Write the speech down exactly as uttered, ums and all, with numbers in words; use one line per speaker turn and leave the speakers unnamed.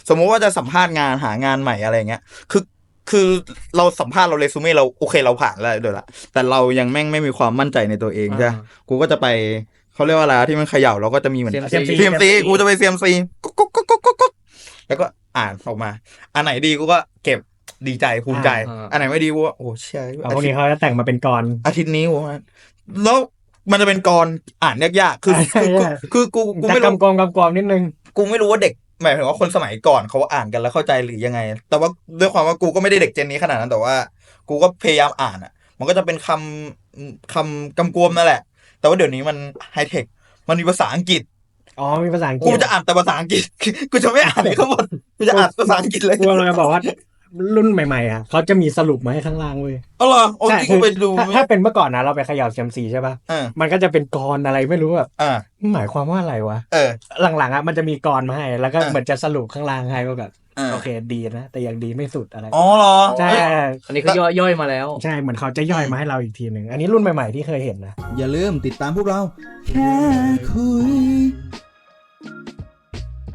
สมมุติว่าจะสัมภาษณ์งานหางานใหม่อะไรเงี้ยคือคือเราสัมภาษณ์เราเรซูเม่เราโอเคเราผ่านแล้วเดี๋ยวละแต่เรายังแม่งไม่มีความมั่นใจในตัวเองใช่กูก็จะไปเขาเรียกว่าอะไรที่มันเขย่าเราก็จะมีเหมือน
ซี เอ็ม ซี
ซี เอ็ม ซี กูจะไป ซี เอ็ม ซี กุ๊กกุ๊กกุ๊กกุ๊กกุ๊กแล้วก็อ่านออกมาอันไหนดีกูก็เก็บดีใจภูมิใจอันไหนไม่ดีกูว่าโอ้เชี่ย
พวกนี้เขาจะแต่งมาเป็นกร
อาทิตย์นี้กูว่าแล้วมันจะเป็นกรอ่านยากๆคือคือกูกูไม่รู้
กำกวมกำกวมนิดนึง
กูไม่รู้ว่าเด็กหมายถึงว่าคนสมัยก่อนเขาอ่านกันแล้วเข้าใจหรือยังไงแต่ว่าด้วยความว่ากูก็ไม่ได้เด็กเจนนี้ขนาดนั้นแต่ว่ากูก็พยายามอ่านอ่ะมันก็จะเป็นคำคำกำกวมนั่นแหละแต่ว่าเดี๋ยวนี้มันไฮเทคมันมีภาษาอังกฤษ
อ๋อมีภาษาอังกฤษ
กูจะอ่านแต่ภาษาอังกฤษกูจะไม่อ่านเลยทั้งหมดกูจะอ่านภาษาอังกฤษเลย
กูเราจะบอกว่ารุ่นใหม่ๆอ่ะเขาจะมีสรุปมาให้ข้างล่างเว้ย
อ๋อเหรอโอ้ยกูไปดู
ถ้าเป็นเมื่อก่อนนะเราไปเขย่า ซี เอ็ม ซี ใช่ป่ะมันก็จะเป็นกรอะไรไม่รู้แบบหมายความว่าอะไรวะ
เออ
หลังๆอ่ะมันจะมีกรมาให้แล้วก็เหมือนจะสรุปข้างล่างให้ว่าแบบโอเคดีนะแต่ยังดีไม่สุดอะไร
อ๋อเหรอ
ใช่
อันนี้เขาย่อยๆมาแล้ว
ใช่เหมือนเขาจะย่อยมาให้เราอีกทีหนึ่งอันนี้รุ่นใหม่ๆที่เคยเห็นนะ
อย่าลืมติดตามพวกเราแค่คุย